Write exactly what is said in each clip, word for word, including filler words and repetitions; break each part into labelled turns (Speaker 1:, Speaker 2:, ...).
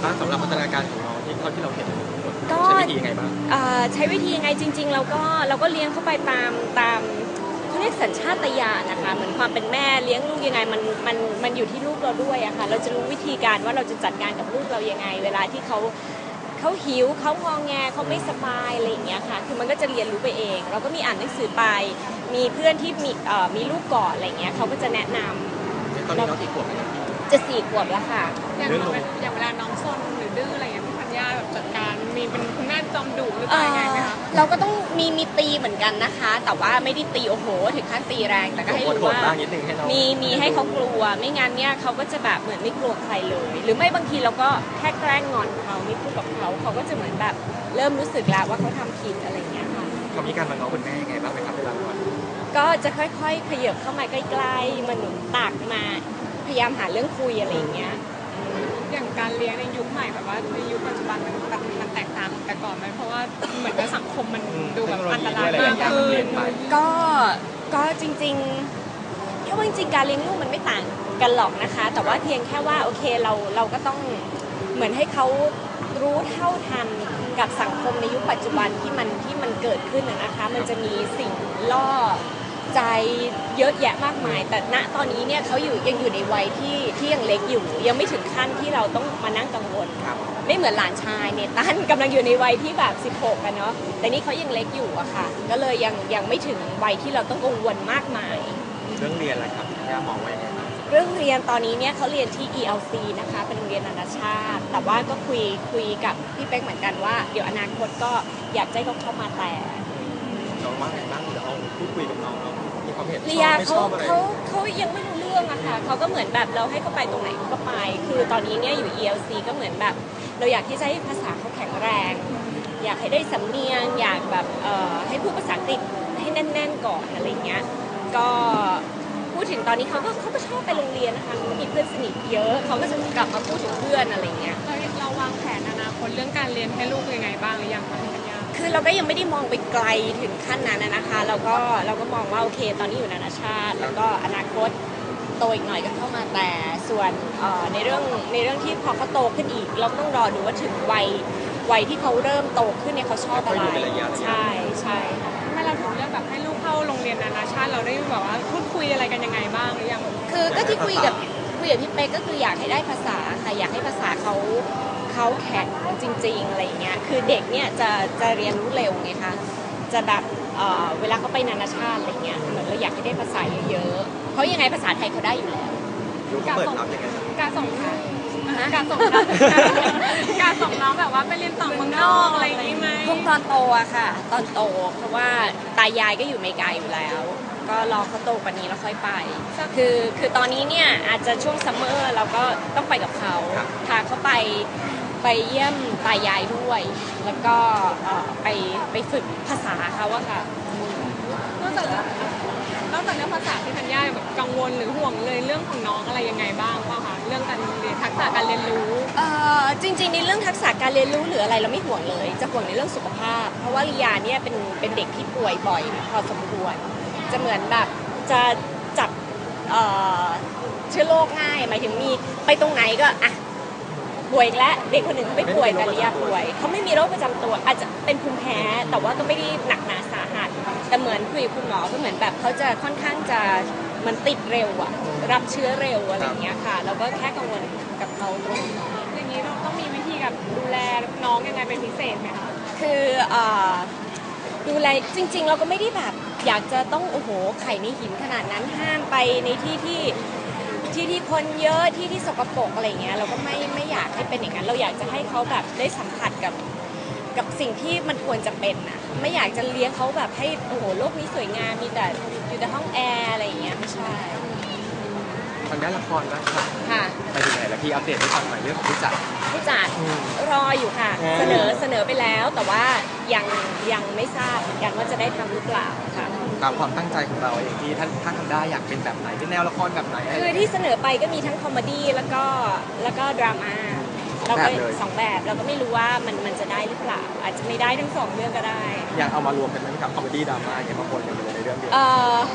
Speaker 1: บ้างสำหรับพัฒนาการของน้องที่เท่าที่เราเห็น
Speaker 2: ก็
Speaker 1: ใช้วิธียังไงบ้าง
Speaker 2: ใช้วิธียังไงจริงๆเราก็เราก็เลี้ยงเข้าไปตามตามเขาเรียกสัญชาตญาณนะคะเหมือนความเป็นแม่เลี้ยงลูกยังไงมันมันมันอยู่ที่ลูกเราด้วยอะค่ะเราจะรู้วิธีการว่าเราจะจัดการกับลูกเรายังไงเวลาที่เขาเขาหิวเขางอแงเขาไม่สบายอะไรอย่างเงี้ยค่ะคือมันก็จะเรียนรู้ไปเองเราก็มีอ่านหนังสือไปมีเพื่อนที่มีเอ่อมีลูกก่อนอะไรเงี้ยเขาก็จะแนะนำ
Speaker 1: ตอนนี้น้องกี่ขวบแล้ว
Speaker 2: จะสี่ขวบแล้วค่ะ
Speaker 3: อย่างอย่างเวลาน้องซนหรือดื้ออะไรอย่างเงี้ยพี่ธัญญาแบบจัดการมีเป็นคุณแม่จอมดุหรือเปล่ายังไงไหมคะ
Speaker 2: เราก็ต้องมีมีตีเหมือนกันนะคะแต่ว่าไม่ได้ตีโอ้โหถึงขั้นตีแรงแต่ก็ให้รู้ว่ามีมีให้เขากลัวไม่งั้นเนี่ยเขาก็จะแบบเหมือนไม่กลัวใครเลยหรือไม่บางทีเราก็แค่แกล้งงอนเขาไม่พูดกับเขาเขาก็จะเหมือนแบบเริ่มรู้สึกแล้วว่าเขาทำผิดอะไรอย่างเงี้ยค่ะ
Speaker 1: เขามีการมาง้อคุณแม่ยังไงบ้างไหมครับเวลางอน
Speaker 2: ก็จะค่อยๆขยับเข้ามาใกล้ๆมาหนุนตักมาพยายามหาเรื่องคุยอะไรอย่างเงี้ย
Speaker 3: อย่างการเลี้ยงในยุคใหม่แบบว่าในยุคปัจจุบันมันแบบมันแตกต่างแต่ก่อนไหมเพราะว่าเหมือนกับสังคมมันดูแบบอันตรายมากขึ้น
Speaker 2: ก็ก็จริงๆแค่ว่าจริงๆการเลี้ยงลูกมันไม่ต่างกันหรอกนะคะแต่ว่าเพียงแค่ว่าโอเคเราเราก็ต้องเหมือนให้เขารู้เท่าทันกับสังคมในยุคปัจจุบันที่มันที่มันเกิดขึ้นนะคะมันจะมีสิ่งล่อใจเยอะแยะมากมายแต่ณตอนนี้เนี่ยเขาอยู่ยังอยู่ในวัยที่ที่ยังเล็กอยู่ยังไม่ถึงขั้นที่เราต้องมานั่งกังวลไม่เหมือนหลานชายเนี่ยตั้นกำลังอยู่ในวัยที่แบบสิบหกกันเนาะแต่นี่เขายังเล็กอยู่อะค่ะก็เลยยังยังไม่ถึงวัยที่เราต้องกังวลมากมาย
Speaker 1: เรื่องเรียนอะไรครับย่ามองไว้ยังไง
Speaker 2: เรื่องเรียนตอนนี้เนี่ยเขาเรียนที่ อี แอล ซี นะคะเป็นโรงเรียนนานาชาติแต่ว่าก็คุยคุยกับพี่เป๊กเหมือนกันว่าเดี๋ยวอนาคตก็อยากให้เขาเข้ามาแต่
Speaker 1: น้องว่าไงบ้างเดี๋ยวเอาพูดคุยกับน้องมีความเห็น
Speaker 2: เรียเขาเขาเขายังไม่รู้เรื่องอะค่ะเขาก็เหมือนแบบเราให้เขาไปตรงไหนเขาก็ไปคือตอนนี้เนี่ยอยู่ อี แอล ซี ก็เหมือนแบบเราอยากที่จะให้ภาษาเขาแข็งแรงอยากให้ได้สำเนียงอยากแบบเอ่อให้พูดภาษาอังกฤษให้แน่นๆก่อนอะไรเงี้ยก็พูดถึงตอนนี้เขาก็เขาก็ชอบไปโรงเรียนนะคะเขามีเพื่อนสนิทเยอะเขาก็จะกลับมาพูดถึงเพื่อนอะไรเงี้ย
Speaker 3: เราเราวางแผนอนาคตเรื่องการเรียนให้ลูกยังไงบ้างหรือยังคะ
Speaker 2: คือเราก็ยังไม่ได้มองไปไกลถึงขั้นนั้นนะคะเราก็เราก็มองว่าโอเคตอนนี้อยู่นานาชาติแล้วก็อนาคตโตอีกหน่อยก็เข้ามาแต่ส่วนในเรื่องในเรื่องที่พอเขาโตขึ้นอีกเราต้องรอดูว่าถึงวัยวัยที่เขาเริ่มโตขึ้นเนี่ยเขาชอบอะไรใช่ใช่
Speaker 3: ทำไมเราถึงเลือกแบบให้ลูกเข้าโรงเรียนนานาชาติเราได้แบบว่าพูดคุยอะไรกันยังไงบ้างหรือยัง
Speaker 2: คือก็ที่คุยกับคุยกับพี่เป๊กก็คืออยากให้ได้ภาษาค่ะอยากให้ภาษาเขาเขาแข็งจริงๆอะไรเงี้ยคือเด็กเนี่ยจะจะเรียนรู้เร็วไงคะจะแบบเอ่อเวลาเขาไปนานาชาติอะไรเงี้ยเหมือนเราอยากให้ได้ภาษาเยอะๆเพราะยังไงภาษาไทยเขาได้อยู่แล้ว
Speaker 1: การส่ง
Speaker 3: การส่งการส่งการส่งน้องแบบว่าไปเรียนต่อเมืองนอกอะไรอย่างนี้ไหม
Speaker 2: คงตอนโตอะค่ะตอนโตเพราะว่าตายายก็อยู่อเมริกาอยู่แล้วก็รอเขาโตกว่านี้แล้วค่อยไปคือคือตอนนี้เนี่ยอาจจะช่วงซัมเมอร์เราก็ต้องไปกับเขาพาเขาไปไปเยี่ยมตายายด้วยแล้วก็ไปไปฝึกภาษาเขาอะค่ะ
Speaker 3: นอกจากนอกจากเรื่องภาษาที่ธัญญาแบบกังวลหรือห่วงเลยเรื่องของน้องอะไรยังไงบ้างป่ะคะเรื่องการเรียนทักษะการเรียนรู้
Speaker 2: เอ่อจริงๆในเรื่องทักษะการเรียนรู้หรืออะไรเราไม่ห่วงเลยจะห่วงในเรื่องสุขภาพเพราะว่าลียาเนี่ยเป็นเป็นเด็กที่ป่วยบ่อยพอสมควรจะเหมือนแบบจะจับเอ่อเชื้อโรคง่ายหมายถึงมีไปตรงไหนก็อ่ะป่วยแล้วเด็กคนหนึ่งไม่ป่วยแต่ลียาป่วยเขาไม่มีโรคประจำตัวอาจจะเป็นภูมิแพ้แต่ว่าก็ไม่ได้หนักหนาสาหัสแต่เหมือนคุยกับคุณหมอก็เหมือนแบบเขาจะค่อนข้างจะมันติดเร็วอะรับเชื้อเร็วอะไรอย่างเงี้ยค่ะเราก็แค่กังวลกับเขาตรงนี้
Speaker 3: อย่างนี้เราต้องมีวิธีกับดูแลน้องยังไงเป็นพิเศษไหมคะ
Speaker 2: คือดูแลจริงๆเราก็ไม่ได้แบบอยากจะต้องโอ้โหไข่ในหินขนาดนั้นห้ามไปในที่ที่ที่ที่คนเยอะที่ที่สกปรกอะไรเงี้ยเราก็ไม่ไม่อยากให้เป็นอย่างนั้นเราอยากจะให้เขาแบบได้สัมผัสกับกับสิ่งที่มันควรจะเป็นนะไม่อยากจะเลี้ยงเขาแบบให้โอ้โหโลกนี้สวยงามมีแต่อยู่แต่ห้องแอร์อะไรอย่างเงี้ยไม่ใช่
Speaker 1: ทางด้านละครบ้างค่ะ
Speaker 2: ค่ะ
Speaker 1: ไปถึงไหนแล้วพี่อัปเดตให้ฟังหน่อยเรื่องของผู้จัด
Speaker 2: ผู้จัดรออยู่ค่ะเสนอเสนอไปแล้วแต่ว่ายังยังไม่ทราบเหมือนกันว่าจะได้ทำหรือเปล่าค่ะ
Speaker 1: ตามความตั้งใจของเราเองที่ท่านท่านทำได้อยากเป็นแบบไหนเป็นแนวละครแบบไหน
Speaker 2: คือที่เสนอไปก็มีทั้งคอมเมดี้แล้วก็แล้วก็ดราม่าเราก็สองแบบเราก็ไม่รู้ว่ามันมันจะได้หรือเปล่าอาจจะไม่ได้ทั้งสองเรื่องก็ได้
Speaker 1: อยากเอามารวมกันไหมกับคอมเมดี้ดราม่าอย่างมาปนกันในเรื่องเดียว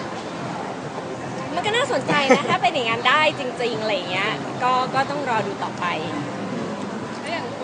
Speaker 2: มันก็น่าสนใจนะถ้าเป็นอย่างนั้นได้จริงๆอะไรเงี้ยก็ก็ต้องรอดูต่อไป
Speaker 3: แล้วอย่าง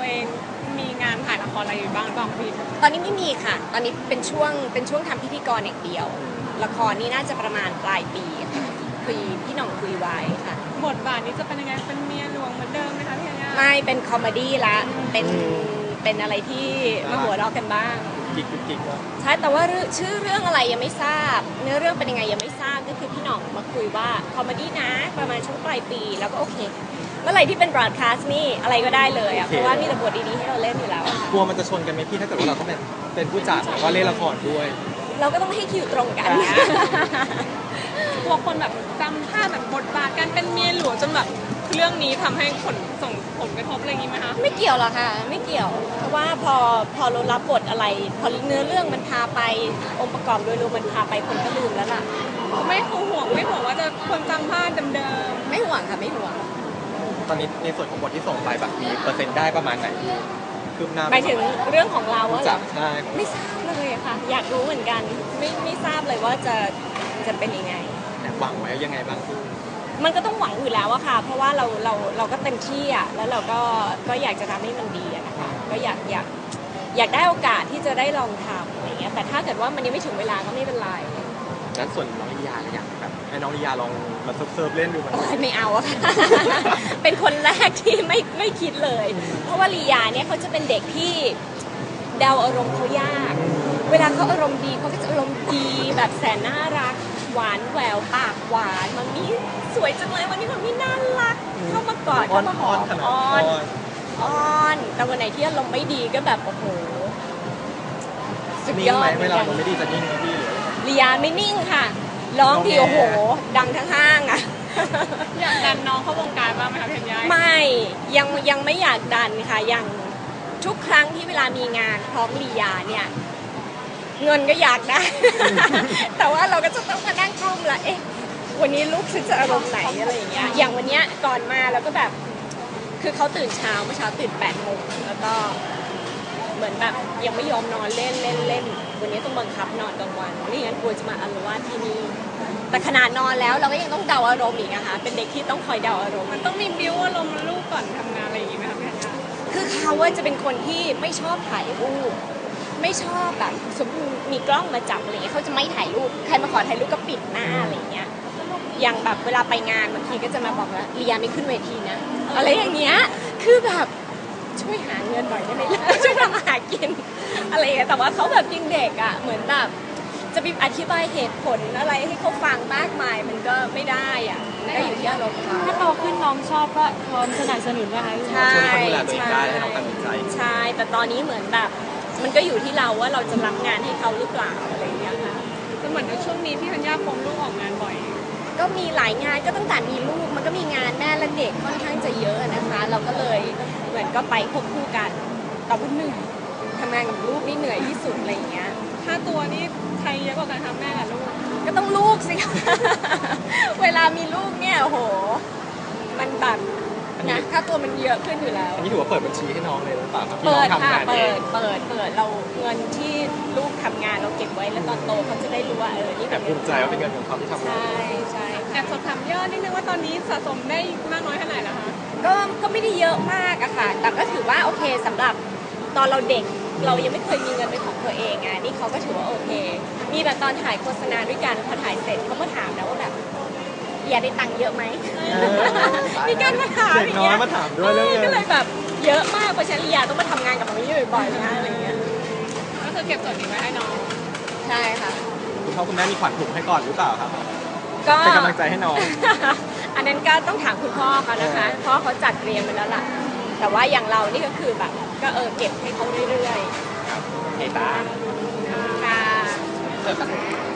Speaker 3: เองมีงานถ่ายละครอะไรอยู่บ้างหรือเปล่าพี่
Speaker 2: ตอนนี้ไม่มีค่ะ ตอนนี้เป็นช่วงเป็นช่วงทำพิธีกรอย่างเดียว ละครนี่น่าจะประมาณปลายปีค่ะคุยพี่หน่องคุยไว้ค่ะ
Speaker 3: บทบาทนี้จะเป็นยังไงเป็นเมียหลวงเหมือนเดิมไหมคะพี่ธัญญา
Speaker 2: ไม่เป็นคอมเมดี้ละเป็นเป็นอะไรที่มาหัวเราะกันบ้าง
Speaker 1: กิ๊กกิ๊กกิ๊กว่า
Speaker 2: ใช่แต่ว่าเรื่องชื่อเรื่องอะไรยังไม่ทราบ เนื้อเรื่องเป็นยังไงยังไม่ทราบก็คือพี่หน่องมาคุยว่าคอมเมดี้นะประมาณช่วงปลายปีแล้วก็โอเค เมื่อไหร่ที่เป็นบรอดคาสต์นี่อะไรก็ได้เลยอ่ะเพราะว่ามีแต่บทดีๆให้เราเล่นอยู่แล้วอะค่ะ
Speaker 1: กลัวมันจะชนกันไหมพี่ถ้าเกิดว่าเราต้องเป็นเป็นผู้จัดแล้วก็เล่นละครด้วย
Speaker 2: เราก็ต้องให้คิวตรงกัน
Speaker 3: กลัวคนแบบจำภาพแบบบทบาทการเป็นเมียหลวงจนแบบเรื่องนี้ทำให้ผลส่งผลกระทบอะไรอย่างนี้ไหมคะ
Speaker 2: ไม่เกี่ยวหรอกค่ะไม่เกี่ยว เพราะว่าพอพอเรารับบทอะไร พอเนื้อเรื่องมันพาไปองค์ประกอบโดยรวมมันพาไปคนก็ลืมแล้วล่ะ
Speaker 3: ไม่ห่วงไม่ห่วงว่าจะคนจำภาพเดิม
Speaker 2: ไม่ห่วงค่ะไม่ห่วง
Speaker 1: ตอนนี้ในส่วนของบทที่ส่งไปแบบมีเปอร์เซ็นต์ได้ประมาณไหนคืบหน้า
Speaker 2: หมายถึงเรื่องของเรา
Speaker 1: ผู้
Speaker 2: อะเหร
Speaker 1: จั
Speaker 2: อ
Speaker 1: ดใช่
Speaker 2: ไม่ทราบเลยอะค่ะ อยากรู้เหมือนกัน ไม่ไม่ทราบเลยว่าจะจะเป็นยังไง
Speaker 1: แต่หวังไว้ยังไงบ้างพี่
Speaker 2: มันก็ต้องหวังอยู่แล้วอะค่ะ เพราะว่าเราเราเราก็เต็มที่อะแล้วเราก็ก็อยากจะทำให้มันดีอะนะคะก็อยากอยากอยากได้โอกาสที่จะได้ลองทำอะไรเงี้ยแต่ถ้าเกิดว่ามันยังไม่ถึงเวลาก็ไม่เป็นไร
Speaker 1: งั้นส่วนน้องลิยาเนี่ยอยากแบบให้น้องลิยาลองมาเซิร์ฟๆเล่นดูมัน
Speaker 2: โอ๊ยไม่เอาอะ ค่ะ เป็นคนแรกที่ไม่ไม่คิดเลย เพราะว่าลียาเนี่ยเขาจะเป็นเด็กที่เดาอารมณ์เขายาก เวลาเขาอารมณ์ดีเขาก็จะอารมณ์ดีแบบแสนน่ารัก หวานแหววปากหวานมันมีสวยจังเลยวันนี้มันมีน่ารัก เข้ามากอด
Speaker 1: อ้อ
Speaker 2: เข้าน มาห
Speaker 1: อ้
Speaker 2: อ
Speaker 1: อน
Speaker 2: ม
Speaker 1: ขนาด
Speaker 2: อ้อ
Speaker 1: อ้อน น
Speaker 2: อ้อน แต่วันไหนที่อารมณ์ไม่ดีก็แบบโอ้โหสุด
Speaker 1: นิ่ง
Speaker 2: ยอ
Speaker 1: ไหม
Speaker 2: ดเหมื
Speaker 1: เว
Speaker 2: อน
Speaker 1: ลา
Speaker 2: กัน
Speaker 1: เราไม่ดีจะนิ่งไหมพี่หรือ
Speaker 2: ลียาไม่นิ่งค่ะร้องทีโอ้โห ดังทั้งห้างอะ
Speaker 3: ๆอยากดันน้องเข้าวงการบ้างไหมคะพี่ธัญญา
Speaker 2: ไม่ยังยังไม่อยากดันค่ะยังทุกครั้งที่เวลามีงานพร้อมลียาเนี่ยเงินก็อยากได้ แต่ว่าเราก็จะต้องมานั่งกลุ้มละเอ๊ะวันนี้ลูกฉันจะอารมณ์ไหนอะไรอย่างเงี้ยอย่างวันเนี้ยก่อนมาเราก็แบบคือเขาตื่นเช้าเมื่อเช้าตื่นแปดโมงแล้วก็เหมือนแบบยังไม่ยอมนอนเล่นเล่นเล่นวันนี้ต้องบังคับนอนกลางวันไม่งั้นกลัวจะมาอาละวาดที่นี่แต่ขนาดนอนแล้วเราก็ยังต้องเดาอารมณ์อีกนะคะเป็นเด็กที่ต้องคอยเดาอารมณ์
Speaker 3: มันต้องมีบิ้วอารมณ์ลูกก่อนทำงานอะไรอย่างนี้ไหมคะพี่ธัญญา
Speaker 2: คือเขาว่าจะเป็นคนที่ไม่ชอบถ่ายรูปไม่ชอบแบบสมมติมีกล้องมาจับอะไรเงี้ยเขาจะไม่ถ่ายรูปใครมาขอถ่ายรูปก็ปิดหน้าอะไรเงี้ยอย่างแบบเวลาไปงานบางทีก็จะมาบอกว่าเลียไม่ขึ้นเวทีนะอะไรอย่างเงี้ยคือแบบช่วยหาเงินหน่อยได้ไหมล่ะ ช่วยทำอาหารกินอะไรอย่างเงี้ยแต่ว่าเขาแบบยังเด็กอ่ะเหมือนแบบจะไปอธิบายเหตุผลอะไรให้เขาฟังมากมายมันก็ไม่ได้อ่ะก็อยู่ที่อารมณ์เขา
Speaker 4: ถ้าโตขึ้นน้องชอบก็พร้อมสนับสนุนนะคะ
Speaker 2: ใช่
Speaker 1: ช่วยเขาดูแลตัวเองได้ให้น้องตัดสินใจ
Speaker 2: ใช่ แต่ตอนนี้เหมือนแบบ มันก็อยู่ที่เราว่าเราจะรับงานให้เขาหรือเปล่าอะไรอย่างเงี้ยค่ะ
Speaker 3: แต่เหมือนในช่วงนี้พี่ธัญญาคงลูกออกงานบ่อย
Speaker 2: ก็มีหลายงานก็ตั้งแต่มีลูกมันก็มีงานแม่และเด็กค่อนข้างจะเยอะนะคะ เราก็เลยเหมือนก็ไปควบคู่กันแต่ว่าเหนื่อยทำงานกับลูกนี่เหนื่อยที่สุดอะไรอย่างเงี้ย
Speaker 3: ค่าตัวนี่ใครเยอะกว่ากันคะแม่กับลูก
Speaker 2: ก็ต้องลูกสิ เวลามีลูกเนี่ยโอ้โห มันแบบนะค่าตัวมันเยอะขึ้นอยู่แล้ว
Speaker 1: อันนี้ถือว่าเปิดบัญชีให้น้องเลยหรือเปล่าครับที่
Speaker 2: เปิ
Speaker 1: น้อง
Speaker 2: ดค่ะ
Speaker 1: ทำงานเอ
Speaker 2: เปิ
Speaker 1: ง
Speaker 2: ด เปิด เปิด เราเงินที่ลูกทำงานเราเก็บไว้แล้วตอนโตเขาจะได้รู้ว่าเออ นี่
Speaker 1: แต่
Speaker 2: เป็น
Speaker 1: ภูมิใจว่าเป็นเงินของเขาที่ทำงาน
Speaker 2: ใช่ใช่
Speaker 3: แอบสอบถามยอดนิดนึงว่าตอนนี้สะสมได้มากน้อยแค่ไหนแล้วคะ
Speaker 2: ก็ ก็ไม่ได้เยอะมากอะค่ะ แต่ก็ถือว่าโอเคสำหรับตอนเราเด็ก เรายังไม่เคยมีเงินเป็นของตัวเองไงนี่เขาก็ถือว่าโอเค มีแบบตอนถ่ายโฆษณาด้วยกันพอถ่ายเสร็จเขามาถามแล้วว่าแบบอย่าได้ตังค์เยอะไหม มีการมาถาม
Speaker 1: เด็กน้อยมาถามด้วยเรื่องเงิน
Speaker 2: ก็เลยแบบเยอะมากเพราะฉะนันลียาต้องมาทำงานกับมันนี้บ่อยๆนะอะไรอย่างเงี้ย
Speaker 3: ก็คือเก็บส่วนนี้ไว้ให้น้อง
Speaker 2: ใช่ค่ะ
Speaker 1: คุณพ่อคุณแม่มีขวัญถุงให้ก่อนหรือเปล่าครับ
Speaker 2: ก็
Speaker 1: เป็นกำลังใจให้น้อง
Speaker 2: อันนั้นก็ต้องถามคุณพ่อเขานะคะเพราะเขาจัดเตรียมไปแล้วล่ะ แต่ว่าอย่างเรานี่ก็คือแบบก็เออเก็บให้เขาเรื่อย
Speaker 1: เอตา
Speaker 2: ๆค่ะ